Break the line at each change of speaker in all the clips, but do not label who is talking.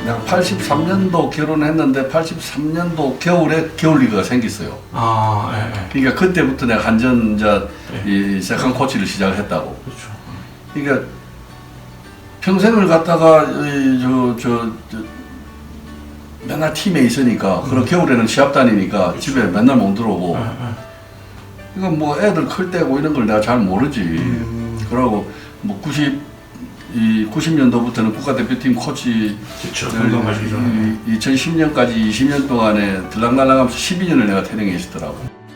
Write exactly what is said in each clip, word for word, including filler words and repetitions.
내가 팔십삼 년도 결혼했는데 팔십삼 년도 겨울에 겨울리그가 생겼어요.
아, 예, 예.
그러니까 그때부터 내가 한전 이제
네.
이 세컨 코치를 시작을 했다고.
그렇죠.
그러니까 평생을 갖다가 저, 저, 저 맨날 팀에 있으니까
음.
그런 겨울에는 시합 다니니까
그렇죠.
집에 맨날 못 들어오고.
예, 예.
이거 뭐 애들 클 때고 이런 걸 내가 잘 모르지.
음.
그러고 뭐 구십, 이 구십 년도부터는 국가대표팀 코치
그렇죠. 건강하시죠.
이천십 년까지 이십 년 동안에 들락날락하면서 십이 년을 내가 태릉에 있었더라고.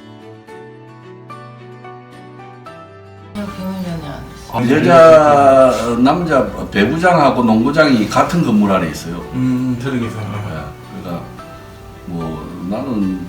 백 년이 안 됐어.
아,
여자 남자 배구장하고 농구장이 같은 건물 안에 있어요.
음, 태릉에서.
예, 그러니까 뭐 나는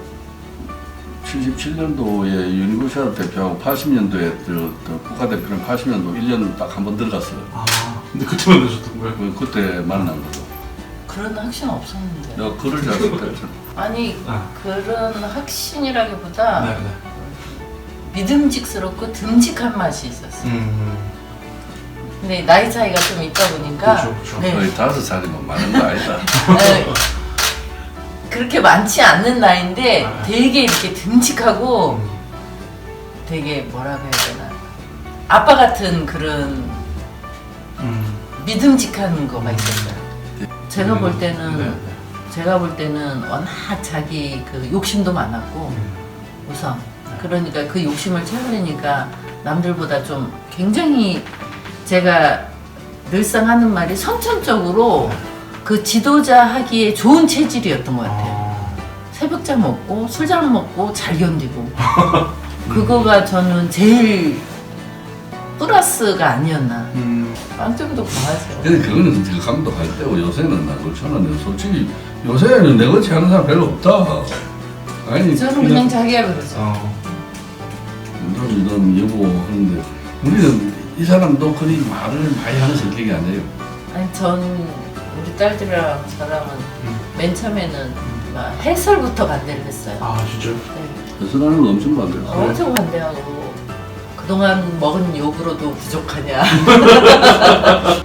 칠십칠 년도에 유니버시아드 대표하고 팔십 년도에 그, 그 국가대표는 팔십 년도 일 년 딱 한 번 들어갔어요.
아, 근데 그때 만나셨던 거예요?
그- 그때 만난 거죠.
그런 확신 없었는데.
내가 글을 잘 썼다.
아니
아.
그런 확신이라기보다
네, 네.
믿음직스럽고 듬직한 맛이 있었어요.
음,
근데 나이 차이가 좀 있다 보니까
그렇죠, 그렇죠.
네.
거의 다섯 살이면 많은 거 아니다.
네. 그렇게 많지 않는 나이인데
아.
되게 이렇게 듬직하고
음.
되게 뭐라고 해야 되나 아빠 같은 그런
음.
믿음직한 거가 있었어요. 제가 볼 때는
네, 네.
제가 볼 때는 워낙 자기 그 욕심도 많았고
음.
우선 그러니까 그 욕심을 채우려니까 남들보다 좀 굉장히 제가 늘상 하는 말이 선천적으로 그 지도자 하기에 좋은 체질이었던 것 같아요.
아,
새벽잠 먹고 술 잘 먹고 잘 견디고 그거가 저는 제일 플러스가 아니었나.
음.
빵점도 강하세요.
근데 그거는 그 감독할 때고 요새는 나 그렇잖아. 솔직히 요새는 내 같이 하는 사람 별로 없다. 아니
저는 그냥 자기가 그러죠.
어.
이런 이런 여보 하는데 우리는 이 사람도 그리 말을 많이 하는 성격이 아니에요.
아니 전 우리 딸들이랑 저랑은
음.
맨 처음에는 막 해설부터 반대를 했어요.
아, 진짜?
네.
해설하는 거 엄청 반대했어.
엄청 반대하고 그동안 먹은 욕으로도 부족하냐.